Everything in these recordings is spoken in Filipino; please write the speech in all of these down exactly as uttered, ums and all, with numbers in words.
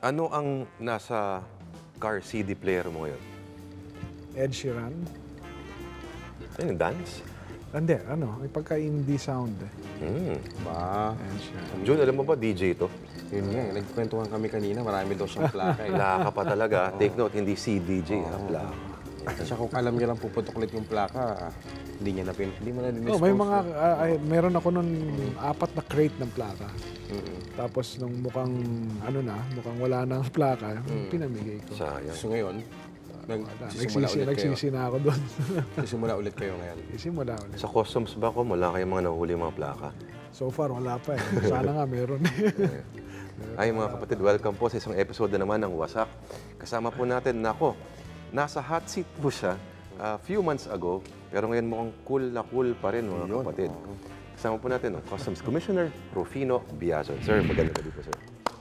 Ano ang nasa car C D player mo ngayon? Ed Sheeran. Ano yung dance? Hindi, ano, may pagka-indie sound. Hmm. Ba, Ed Sheeran. Jun, alam mo ba, D J to? yun nga, eh, nagkwentuhan kami kanina, marami daw siyang plaka eh. Wala ka pa talaga. Take note, hindi C D J, ha? Wala. At siya kung alam niya lang puputok ulit yung plaka, hindi niya na pin, hindi mo na din Oh, may mga, ah, ay, meron ako nun apat na crate ng plaka. Mm-mm. Tapos nung mukhang, ano na, mukhang wala na ang plaka, pinamigay ko. Sayang. So ngayon, Wala, nagsisimula nagsisi, ulit kayo. nagsisi na ako doon. Nagsisimula ulit kayo ngayon. Isimula ulit. Sa customs ba ko, wala kayong mga nahuli mga plaka? So far, wala pa eh. Sana nga meron eh. Ay mga kapatid, welcome po sa isang episode na naman ng Wasak. Kasama po natin, nako, nasa hot seat po siya a few months ago, pero ngayon mukhang cool na cool pa rin mga kapatid. Kasama po natin ang Customs Commissioner Rufino Biazon. Sir, magandang gabi po, sir.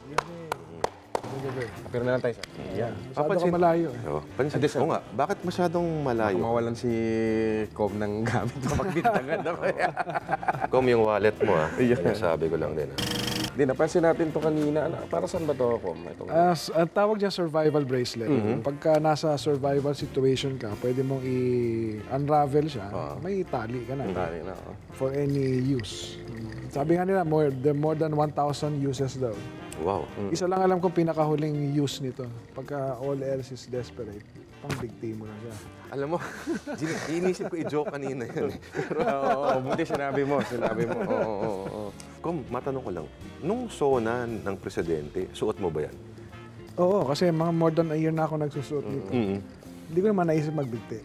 Pero na lang tayo, sir. Yan. Masyado ka Papansin- malayo eh. Oh, pansin, oo nga, bakit masyadong malayo? Mawalan si Cobb ng gamit na magbintangan na kaya. Kom yung wallet mo, ha? Yan sabi ko lang din, ha? Hindi, napansin natin to kanina. Ano, para saan ba to, Cobb? Ito, As, ang tawag niya survival bracelet. Pagka nasa survival situation ka, pwede mong i-unravel siya, may tali ka na Tali na, oh. for any use. Sabi nga nila, more, the more than one thousand uses daw. Wow. Isa lang alam kong pinakahuling use nito. Pagka all else is desperate, pang bigti mo na siya. Alam mo, Gino, inisip ko i-joke kanina yun. eh. Pero, oo, oo, buti sinabi mo, sinabi mo. Oo, oo, oo, oo. Kom, matanong ko lang, nung sona ng presidente, suot mo ba yan? Oo, kasi mga more than a year na ako nagsusuot nito. Hindi ko naman naisip magbigti.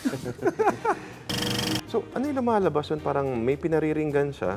So, ano yung lumalabas yun? Parang may pinariringgan siya,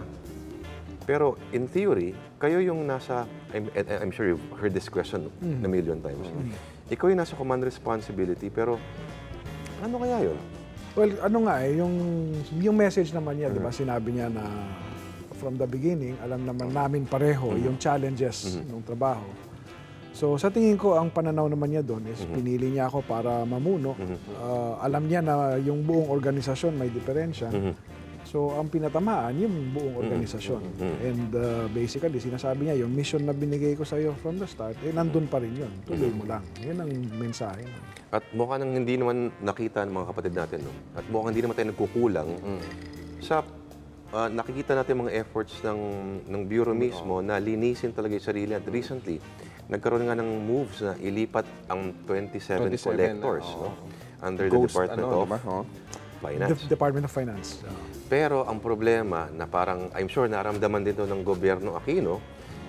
pero in theory, kayo yung nasa, I'm, I'm sure you've heard this question a million times. Ikaw yung nasa command responsibility, pero ano kaya yun? Well, ano nga eh, yung, yung message naman niya, di ba, sinabi niya na from the beginning, alam naman namin pareho yung challenges ng trabaho. So sa tingin ko, ang pananaw naman niya doon is pinili niya ako para mamuno. Uh, alam niya na yung buong organisasyon may diferensya. So ang pinatamaan, yung buong organisasyon. And uh, basically, sinasabi niya, yung mission na binigay ko sa iyo from the start, eh nandun pa rin yun. Tuloy mo lang. Yan ang mensahe. At mukha nang hindi naman nakita ng mga kapatid natin, no? At mukhang hindi naman tayo nagkukulang sa ah, nakikita natin mga efforts ng, ng Bureau mismo na linisin talaga yung sarili. At recently, nagkaroon nga ng moves na ilipat ang twenty-seven, twenty-seven collectors na, oo. no? under the Ghost, Department ano, of diba? Oo. Finance. The Department of Finance. Uh, Pero ang problema na parang, I'm sure naramdaman din to ng gobyerno Aquino,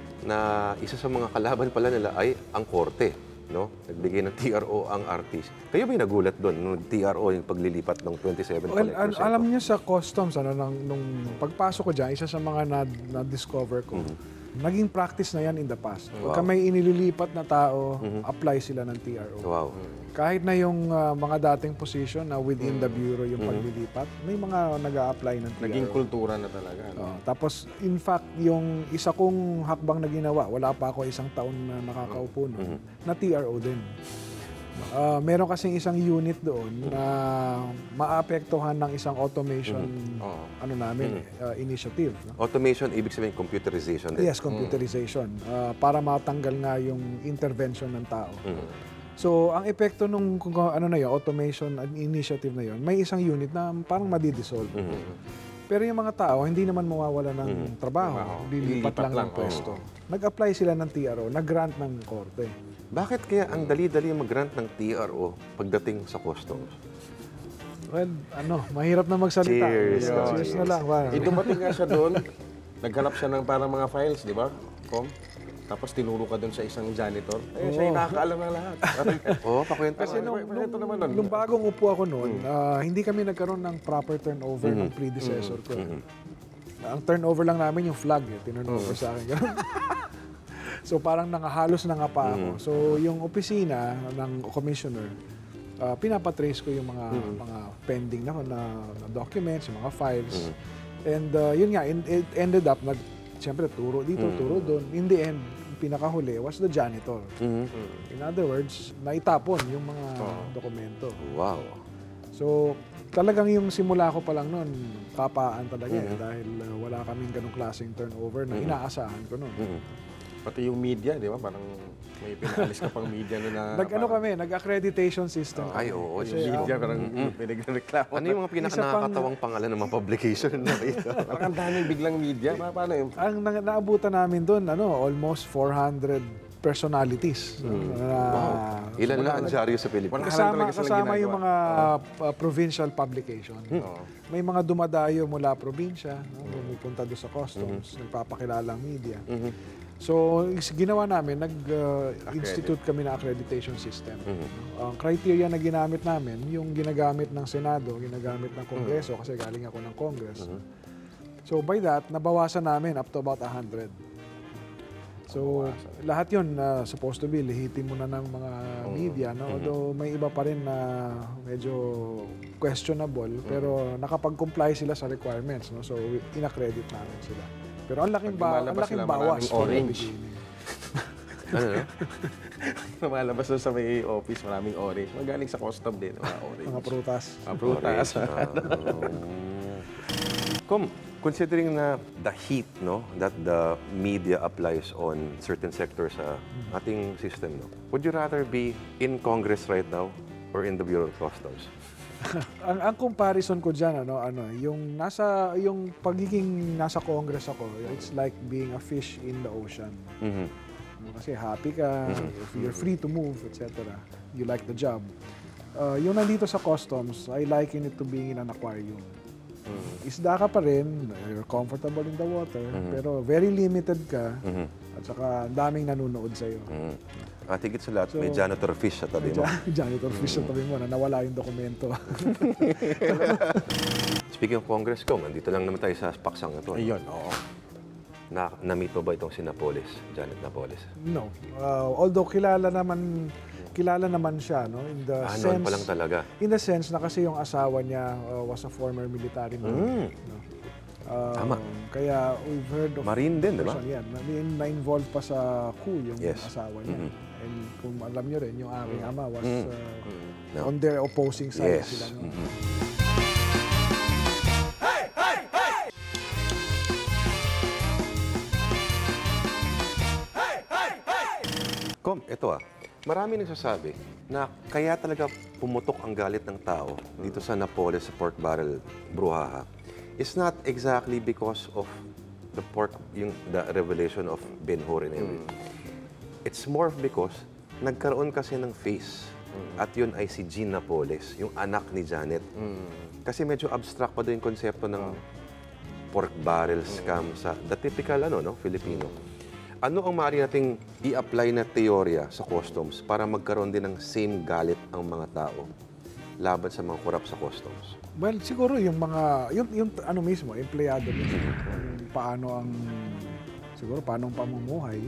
na isa sa mga kalaban pala nila ay ang korte. No? Nagbigay ng T R O ang artist. Kayo ba yung nagulat doon nung T R O yung paglilipat ng twenty-seven Well, collectors? al- alam niyo sa customs, ano, nang, nung pagpasok ko dyan, isa sa mga na- na-discover ko, naging practice na yan in the past. Pagka may inililipat na tao, apply sila ng T R O. Wow. Kahit na yung ah, mga dating position na within the bureau yung paglilipat, may mga nag-a-apply ng T R O. Naging kultura na talaga. No? Oh, tapos, in fact, yung isa kong hakbang na ginawa, wala pa ako isang taon na nakakaupo noon, na T R O din. Ah, meron kasing isang unit doon na maapektuhan ng isang automation Oo. ano namin, ah, initiative. No? Automation, ibig sabihin computerization din. Yes, computerization. Ah, para matanggal nga yung intervention ng tao. So, ang epekto nung kung ano na yun, automation initiative na yun, may isang unit na parang madidissolve. Pero yung mga tao, hindi naman mawawala ng trabaho. Lilipat Lilipat lang ng lang, pwesto. Nag-apply sila ng T R O, nag-grant ng korte. Bakit kaya ang dali-dali mag-grant ng T R O pagdating sa customs? Well, ano, mahirap na magsalita. Cheers. Cheers, Cheers na lang. Ba? Eh, dumating nga siya doon, naghanap siya ng parang mga files, di ba? Com? Tapos tinuro ka doon sa isang janitor. Eh, siya yung nakakaalam ng lahat. Oo, oh, pakwento. Kasi nung, Kwento nung, naman nun. nung bagong upo ako noon, ah, hindi kami nagkaroon ng proper turnover ng predecessor ko. Ang turnover lang namin yung flag, eh, tinurnover sa akin. Ganun. So parang nangahalos na nga pa ako. So yung opisina ng commissioner, ah, pinapatrace ko yung mga mga pending na, na, na documents, yung mga files. And ah, yun nga, in- it ended up, nag, siyempre turo dito, turo doon. In the end, pinakahuli was the janitor. In other words, naitapon yung mga dokumento. Wow. So, talagang yung simula ko pa lang noon, kapaan talaga eh, dahil uh, wala kaming ganong klaseng turnover na inaasahan ko noon. Pati yung media, di ba? Parang may pinaalis ka pang media na... Nag-ano kami, nag-accreditation system. Ay, oo. Yung media, parang pinagreklamo. Ano yung mga pinaka-nakakatawang pangalan ng mga publication na ito? Parang ang daming biglang media. Pa- Paano yun? Ang na- naabutan namin doon, ano, almost four hundred personalities. no, na- Ilan lang ang dyaryo sa Wala Pilipinas? lang Kasama, talaga silang kasama yung ginagawa. mga uh, provincial publication. May mga dumadayo mula probinsya, no, pumupunta doon sa customs, nagpapakilala ang media. So, is- ginawa namin, nag-institute kami ng accreditation system. No? Ang criteria na ginamit namin, yung ginagamit ng Senado, ginagamit ng Kongreso, kasi galing ako ng Congress. So, by that, nabawasan namin up to about one hundred. So, lahat yun uh, supposed to be lehitim mo na ng mga media, no? Although may iba pa rin na medyo questionable, pero nakapag-comply sila sa requirements, no? So, inaccredit namin sila. Pero ang laking, ba ang lumalabas laking sila, bawas. maraming for the orange. beginning. Ano, no? Lumalabas doon sa may office, maraming orange. Magaling sa custom din, mga orange. Mga prutas. Mga prutas. Kom, considering na the heat no that the media applies on certain sectors sa ating system, no, would you rather be in Congress right now or in the Bureau of Customs? ang, ang comparison ko diyan ano ano yung nasa yung pagiging nasa Congress ako, it's like being a fish in the ocean. Mhm. No, kasi happy ka, if you're free to move, et cetera. You like the job. Uh, yung nandito sa customs, I liken it to being in an aquarium. Isda ka pa rin, you're comfortable in the water, pero very limited ka, at saka ang daming nanonood sa'yo. Mm. At higit sa lahat, may So, janitor fish sa tabi mo. Jan- janitor fish sa tabi mo na nawala yung dokumento. Speaking of Congress, Kom, andito lang naman tayo sa paksang ito. no? Ayun, oo. Na, na-meet mo ba itong si Napoles, Janet Napoles? No. Uh, although kilala naman kilala naman siya, no, in the Ah, sense noon pa lang talaga. in the sense na kasi yung asawa niya uh, was a former military man. No? Uh, Tama. Kaya we've heard of Marine din, di ba? person, yan, na, na-involved pa sa coup yung Yes. asawa niya. Mhm. And kung alam niyo rin, yung aking ama was Mhm. uh, No. on their opposing side Yes. sila. No? Mhm. Kom, ito ah. Marami nagsasabi na kaya talaga pumutok ang galit ng tao dito sa Napoles sa pork barrel bruhaha. It's not exactly because of the pork, yung the revelation of Ben-Hur and everything. It's more because nagkaroon kasi ng face. At yun ay si Jean Napoles, yung anak ni Janet. Kasi medyo abstract pa doon yung konsepto ng pork barrel scam sa the typical ano no Filipino. Ano ang maaari nating i-apply na teorya sa customs para magkaroon din ng same galit ang mga tao laban sa mga korap sa customs? Well, siguro yung mga, yung, yung ano mismo, empleyado mismo, kung paano ang, siguro paano ang pamumuhay.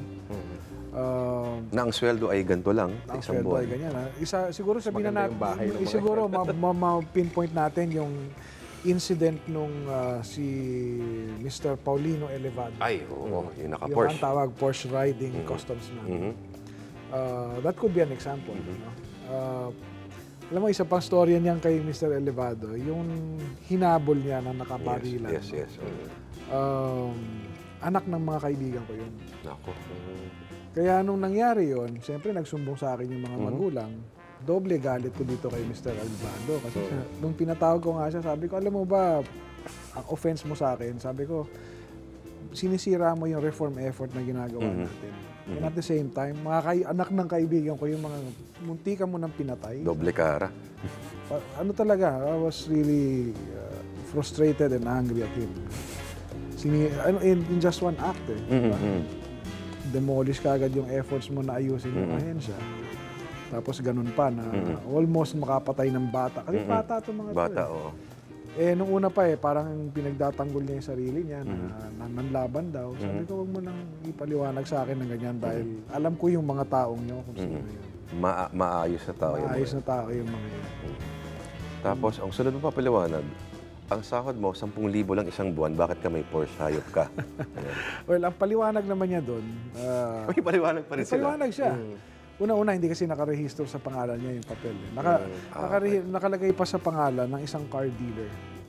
Uh, Na ang sweldo ay ganito lang, ang isang sweldo buwan. ay ganyan. Ha? Isa, siguro sabihin na Maganda natin, yung bahay ng mga siguro ma- ma- ma-pinpoint natin yung incident nung uh, si Mister Paulino Elevado. Ay, oo, yung Yung naka-Porsche. ang tawag Porsche riding customs man. Mhm. Uh, that could be an example. No? Uh, alam mo, isa pang storya niyan kay Mister Elevado, yung hinabol niya na nakabarilan. Yes, yes, yes. no? Um, anak ng mga kaibigan ko yun. Nako. Kaya nung nangyari yon, siyempre nagsumbong sa akin yung mga magulang, doble galit ko dito kay Mister Elevado. Kasi siya, nung pinatawag ko nga siya, sabi ko, alam mo ba, ang offense mo sa akin, sabi ko, sinisira mo yung reform effort na ginagawa natin. And at the same time, mga kay, anak ng kaibigan ko, yung mga munti ka mo nang pinatay. Doble kara. Pa- ano talaga, I was really uh, frustrated and angry at him. Sini, ano, in, in just one act eh. diba? Demolish ka agad yung efforts mo na ayusin yung ahensya. Tapos ganun pa na almost makapatay ng bata. Kasi bata itong mga Bata, to eh. oo. Eh, nung una pa eh, parang pinagdatanggol niya yung sarili niya na, na nanlaban daw. Sabi ko, huwag mo nang ipaliwanag sa akin ng ganyan dahil alam ko yung mga taong niyo kung sino yun. Ma- maayos na tao yun. Maayos na tao yung mga yun. Tapos, ang sunod mo papaliwanag, ang sahod mo, sampung libo lang isang buwan, bakit ka may Porsche? Hayop ka. Ayan. Well, ang paliwanag naman niya doon, uh, May paliwanag pa rin sila. paliwanag siya. Una-una, hindi kasi nakarehistro sa pangalan niya yung papel. Eh. Naka, nakare- nakalagay pa sa pangalan ng isang car dealer.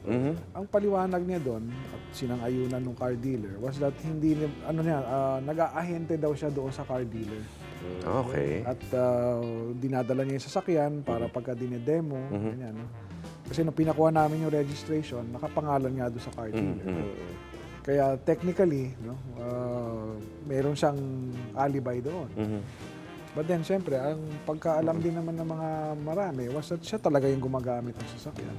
Ang paliwanag niya doon at sinang-ayunan ng car dealer was that hindi ni- ano niya ah, nag-aahente daw siya doon sa car dealer. Okay. At ah, dinadala niya yung sasakyan para pagka dinedemo, ganyan, no? Kasi nung pinakuha namin yung registration, nakapangalan nga doon sa car dealer. Kaya technically, no, ah, meron siyang alibi doon. But then, siyempre, ang pagkaalam din naman ng mga marami was that siya talaga yung gumagamit ng sasakyan.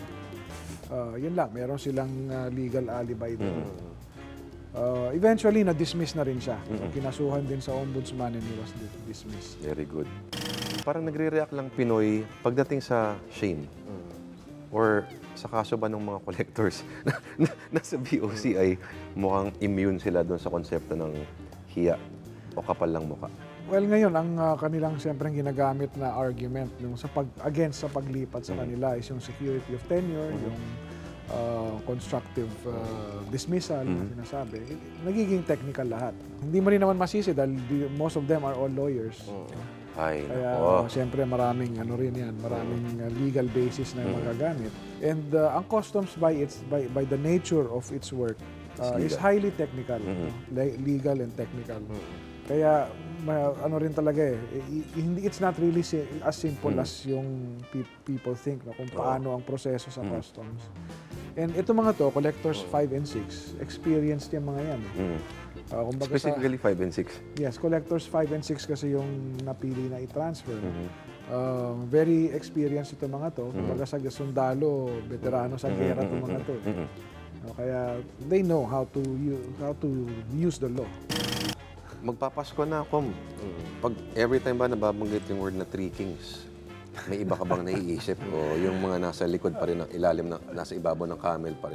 Ah, yun lang, meron silang ah, legal alibi doon. Uh, eventually, na-dismiss na rin siya. So, kinasuhan din sa ombudsman and he was di- dismissed. Very good. Parang nagre-react lang Pinoy pagdating sa shame. Or sa kaso ba ng mga collectors na, na, nasa B O C ay mukhang immune sila doon sa konsepto ng hiya o kapal lang mukha. Well, ngayon, ang uh, kanilang siyempre ginagamit na argument nung sa pag, against sa paglipat sa kanila is yung security of tenure, yung uh, constructive uh, dismissal, na sinasabi. Nagiging technical lahat. Hindi mo rin naman masisi dahil di- most of them are all lawyers. Ay, Kaya nako. siyempre maraming ano rin yan, maraming uh, legal basis na magagamit. And uh, ang customs by its by by the nature of its work uh, is legal. highly technical, no? Le- legal and technical. Kaya ma- ano rin talaga eh, i- i- hindi it's not really si- as simple as yung pe- people think, no, kung paano ang proseso sa customs. And ito mga to, collectors five and six, experienced yung mga yan. Eh. Uh, kumbaga sa- Specifically five and six. Yes, collectors five and six kasi yung napili na i-transfer. Uh, very experienced ito mga to. Kumbaga sa sundalo, veterano sa gera itong mga to. eh. No, kaya they know how to use, how to use the law. Magpapasko na ako. Pag every time ba nababanggit yung word na three kings, may iba ka bang naiisip? O yung mga nasa likod pa rin, ng ilalim, na, nasa ibabaw ng camel pa rin?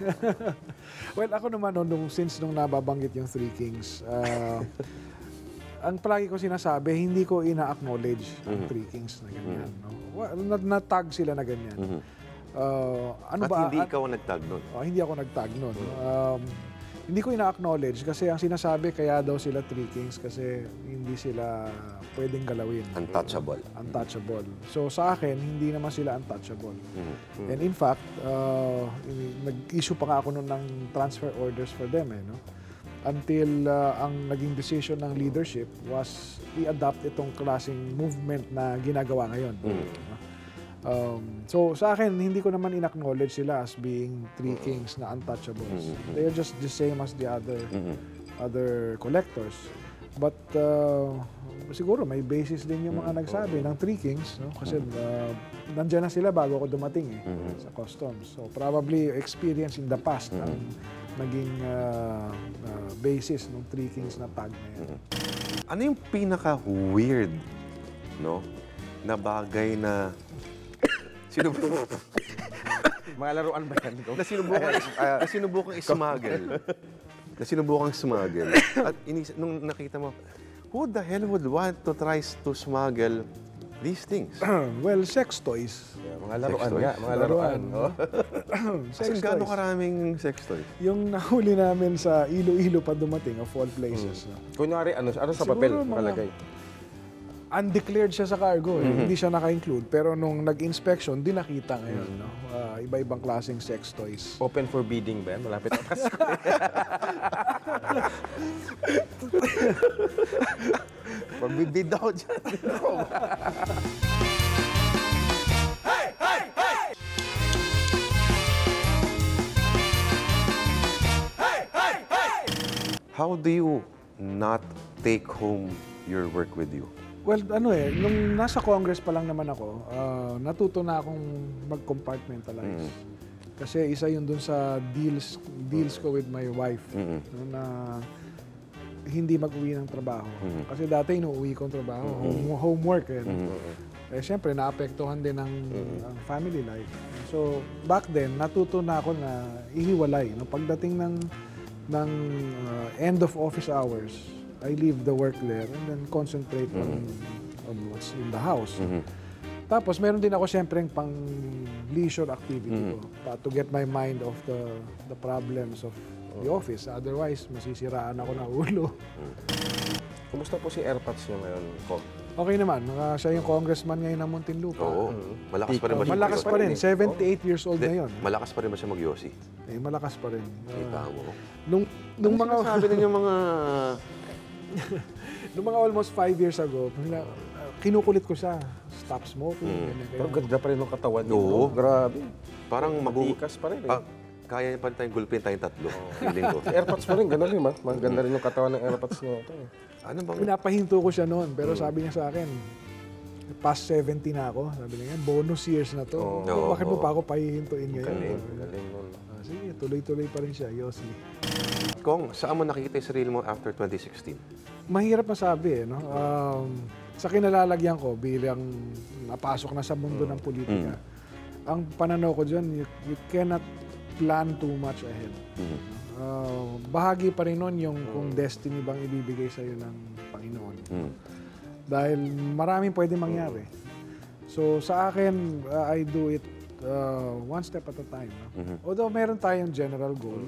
Well, ako naman, no, nung, since nung nababanggit yung Three Kings, uh, ang palagi ko sinasabi, hindi ko ina-acknowledge ang Three Kings na ganyan. No? Wa- na- Na-tag sila na ganyan. Uh, ano At ba? hindi at- ikaw ang nagtag nun. Oh, hindi ako nag-tag nun. Um, hindi ko ina-acknowledge kasi ang sinasabi kaya daw sila Three Kings kasi hindi sila pwedeng galawin. Untouchable. Untouchable. So sa akin, hindi naman sila untouchable. And in fact, uh, i- nag-issue pa nga ako nun ng transfer orders for them. Eh, no? Until uh, ang naging decision ng leadership was i-adopt itong klaseng movement na ginagawa ngayon. No? Um, so sa akin, hindi ko naman in-acknowledge sila as being Three Kings na untouchables. They are just the same as the other other collectors. But uh, siguro may basis din yung mga nagsabi ng Three Kings, no? Kasi uh, nandiyan na sila bago ako dumating eh, sa customs. So probably experience in the past ang naging uh, uh, basis ng Three Kings na tag na yan. Ano yung pinaka-weird, no, na bagay na sinubukan, Mga laruan ba yan? na sinubukan, uh, na sinubukan ismuggle? Na sinubukan smuggle. At inis, nung nakita mo, who the hell would want to try to smuggle these things? Well, sex toys. Yeah, mga laruan toys. nga, mga laruan. Laruan. Oh. Sex Kasi gaano toys. karaming sex toys? Yung nahuli namin sa Iloilo pa dumating, of all places. No? Kunwari, ano, ano sa Siguro papel mga- nakalagay? Undeclared siya sa cargo, eh. Hindi siya naka-include. Pero nung nag-inspection, di nakita ngayon. No? Ah, iba-ibang klaseng sex toys. Open for bidding ba yan? Malapit na Pasko. Pagbibid ako dyan. How do you not take home your work with you? Well, ano eh, nung nasa Congress pa lang naman ako, ah, natuto na akong mag-compartmentalize. Kasi isa yun dun sa deals deals ko with my wife no, na hindi mag-uwi ng trabaho. Kasi dati inuuwi ko ang trabaho, home, homework eh. Eh syempre naapektuhan din ng ang family life. So back then natuto na ako na ihiwalay. No, pagdating ng ng uh, end of office hours, I leave the work there and then concentrate on, on what's in the house. Tapos meron din ako syempre pang leisure activity ko pa, to get my mind off the the problems of the office. Otherwise, masisiraan ako ng ulo. Kumusta po si AirPods nyo ngayon, Kom? Okay naman. Uh, siya yung congressman ngayon ng Muntinlupa. Oo. Malakas pa rin ba siya? Malakas pa rin. seventy-eight years old Hindi, na yun. malakas pa rin ba siya mag-yosi? Eh, malakas pa rin. Uh, Kita mo. nung, nung mga... Sabi din yung mga... nung mga almost five years ago, uh, kinukulit ko siya. Stop smoking. ganyan, Pero ganyan. ganda pa rin ng katawan niya. Oo. no? Grabe. Parang mabu... Matikas pa rin eh. Ah, kaya niya pa rin tayong gulpin tayong tatlo. Feeling ko. Si AirPods pa rin, gano'n rin, ma. Maganda rin yung katawan ng AirPods niya. Ito, eh. Ano bang... Pinapahinto ko siya noon, pero sabi niya sa akin, past seventy na ako. Sabi niya, bonus years na to. Oo. So, bakit mo Oo. pa ako pahihintuin ngayon? Galing, Sabi niya. galing nun. Ah, sige, tuloy-tuloy pa rin siya, Yossi. Kong, saan mo nakikita yung sarili mo after twenty sixteen? Mahirap masabi eh, no? Um, sa kinalalagyan ko bilang napasok na sa mundo ng politika, ang pananaw ko dyan, you, you cannot plan too much ahead. Mhm. Uh, bahagi pa rin nun yung kung destiny bang ibibigay sa'yo ng Panginoon. Mm. Dahil maraming pwede mangyari. So sa akin, uh, I do it uh, one step at a time. No? Mhm. Although meron tayong general goal,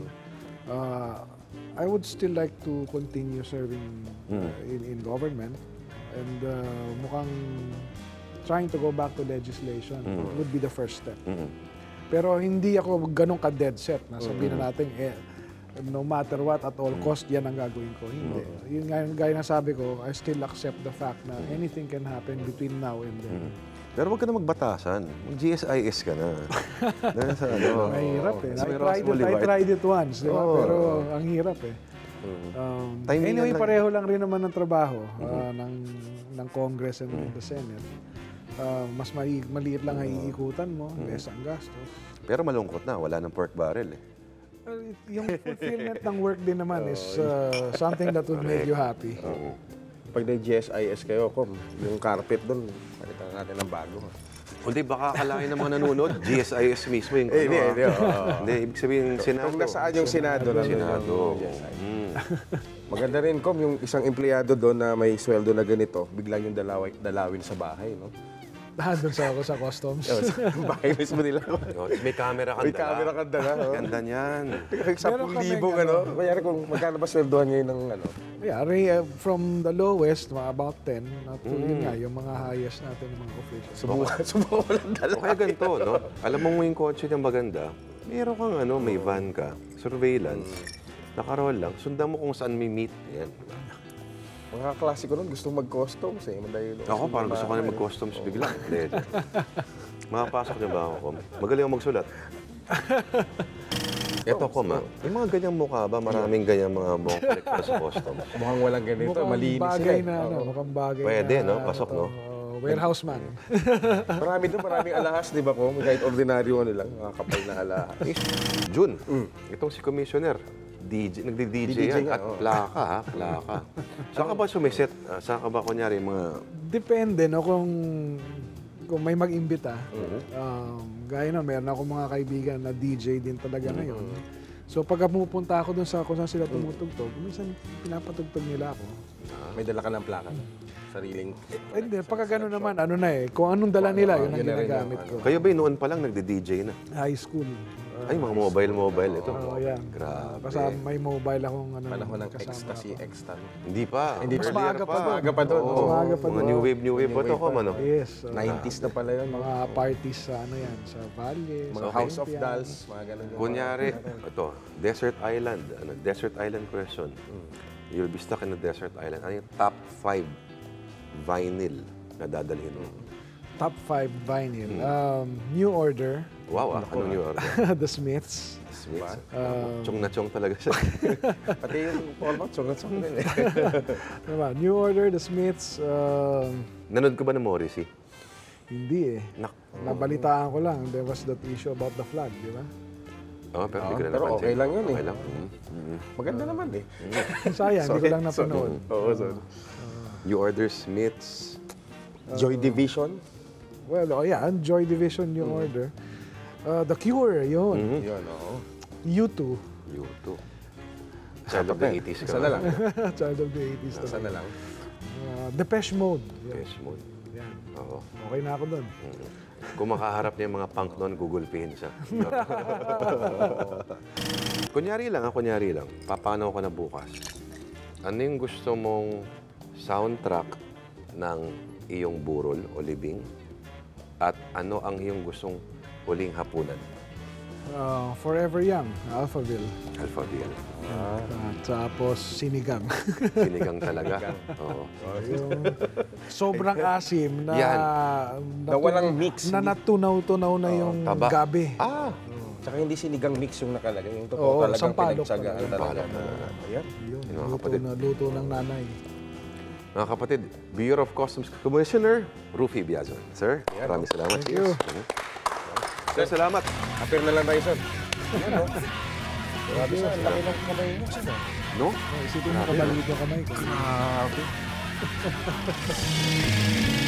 uh, I would still like to continue serving uh, in, in government. And uh, mukhang trying to go back to legislation would be the first step. Mhm. Pero hindi ako ganun ka-dead set na sabihin na natin, eh, no matter what, at all cost, yan ang gagawin ko. Hindi. Yun nga yung gaya na sabi ko, I still accept the fact na anything can happen between now and then. Pero huwag ka na magbatasan. Mag-G S I S ka na. Dahil sa ano. Mahirap eh. Sa I may tried, Roswell it, I Liward. tried it once, di ba? Oo. Pero ang hirap eh. Um, Timingan anyway, lang. pareho lang rin naman ng trabaho uh, ng, ng Congress and the Senate. Uh, mas mali, maliit lang ang iikutan mo, less ang gastos. Pero malungkot na. Wala ng pork barrel eh. Well, yung fulfillment ng work din naman is uh, something that would make you happy. Pag nag-G S I S kayo, kom, yung carpet doon, palitan natin ng bago. Hindi, baka akalain ng mga nanonood, G S I S mismo yung Eh, ano, hindi, ah. hindi, oo. Hindi, ibig sabihin, Senado. Kung nasaan yung Senado, nandun Senado. yung G S I S. Mm. Maganda rin, kom, yung isang empleyado doon na may sweldo na ganito, biglang yung dalawin, dalawin sa bahay, no? Doon sa ako sa customs. Yung bahay mismo nila. Oh, may camera ka May camera ka dala. oh. Ganda niyan. Sampung kaming libo, ano? Mayari kung magkano ba sweldohan ngayon ng ano? Yeah, re, uh, from the lowest, mga about ten, at to yun nga, yung mga highest natin, yung mga officials. Subukan, subukan ko lang dala. O kaya ganito, no? Alam mo yung kotse niyang maganda, meron kang ano, may van ka, surveillance, nakaroll lang, sundan mo kung saan may meet. Yan. Mga klasiko nun, gusto mag-customs eh. Madali doon. Ako, parang gusto ko na mag-customs bigla. Hindi. Makapasok niyo ba ako, Kom? Magaling ako magsulat. Ito, Kom, ha? Yung mga ganyang mukha ba? Maraming ganyang mga mukha kolektor sa customs. Mukhang walang ganito, Mukhang malinis bagay sila. na, ano, Oo. mukhang bagay Pwede, na, no? ano Pasok, to, no? uh, warehouse man. Marami doon, maraming alahas, di ba ko? Kahit ordinaryo ano lang, mga kapal na alahas. June, itong si Commissioner, D J, nagdi-D J D J yan nga, at oo. plaka, ha? Plaka. Saan ka ba sumiset? Ah, saan ka ba, kunyari, mga... Depende, no, kung kung may mag-imbita. Um, gaya na, meron ako mga kaibigan na D J din talaga ngayon. So pag pumupunta ako dun sa kung saan sila tumutugtog, minsan pinapatugtog nila ako. May dala ka ng plaka. Sariling. Eh, Hindi, pagka gano'n naman, ano na eh, kung anong dala nila, yun ang Yun na rin ginagamit yung, ko. Kayo ba noon pa lang nagdi-D J na? High school. Uh, Ay, mga mobile-mobile ito. Oo, yan. Grabe. Kasama, may mobile akong ano. Panahon ng kasama ecstasy, ako. extan. Hindi pa. Hindi Mas pa. maaga pa doon. Maaga pa doon. Oo, Oo. maaga pa mga doon. new wave, new wave pa ito, Kom, ano? Yes. uh, nineties na pala yun. mga parties sa ano yan, sa Valle, Mga sa House of Olympia. Dolls, mga ganun yung Kunyari, ito, desert island. Ano, desert island question. You'll be stuck in a desert island. Ano yung top five vinyl na dadalhin mo? Top five vinyl. Um, New Order, Wow, ah, ano new order? The Smiths. Smiths. Um, Chong na chong talaga siya. Pati yung format, sungat-sungat din eh. Ano ba? New Order, The Smiths, um, Nanood ko ba ng Morrissey? hindi eh. Nak. Nabalitaan ko lang, there was that issue about the flag, di ba? Oh, pero hindi ko na Pero napansin. okay lang yun eh. Okay lang. Mm, mm. Maganda naman eh. Sayang, hindi ko lang napanood. Oo, sorry. You order Smiths. Joy Division. Well, oh yeah, Joy Division New Order. Uh, The Cure, yun. Yun, oo. U two. You too. Child of the eighties ka. Isa na lang. Child of the eighties. Isa na lang. Uh, Depeche Mode. Yan. Yes, mode. Yan. Oo. Okay na ako doon. Kung makaharap niya yung mga punk noon, gugulpihin siya. Kunyari lang, ah, kunyari lang. Papanaw ko na bukas. Ano yung gusto mong soundtrack ng iyong burol o libing? At ano ang iyong gustong huling hapunan? Uh, Forever Young, Alphaville. Alphaville. At tapos sinigang. Sinigang talaga. Oo. Yung sobrang asim na, Yan. Na walang mix. na natunaw-tunaw na yung taba. gabi. Ah! Tsaka hindi sinigang mix yung nakalagay. Yung totoo Oo, talagang sampalok pinagtsagaan talaga. talaga. Sampalok Ayan. Yun, Yun, mga luto, kapatid. na, luto ng nanay. Mga kapatid, Bureau of Customs Commissioner Rufy Biazon. Sir, maraming salamat. Thank you. Cheers. Sir, salamat. Appear na lang tayo, sir. Ayan, no? Grabe, sir. Ang laki ng kamay mo, sir. No? Oh, isipin mo kabalik yung kamay ko. Ah, okay.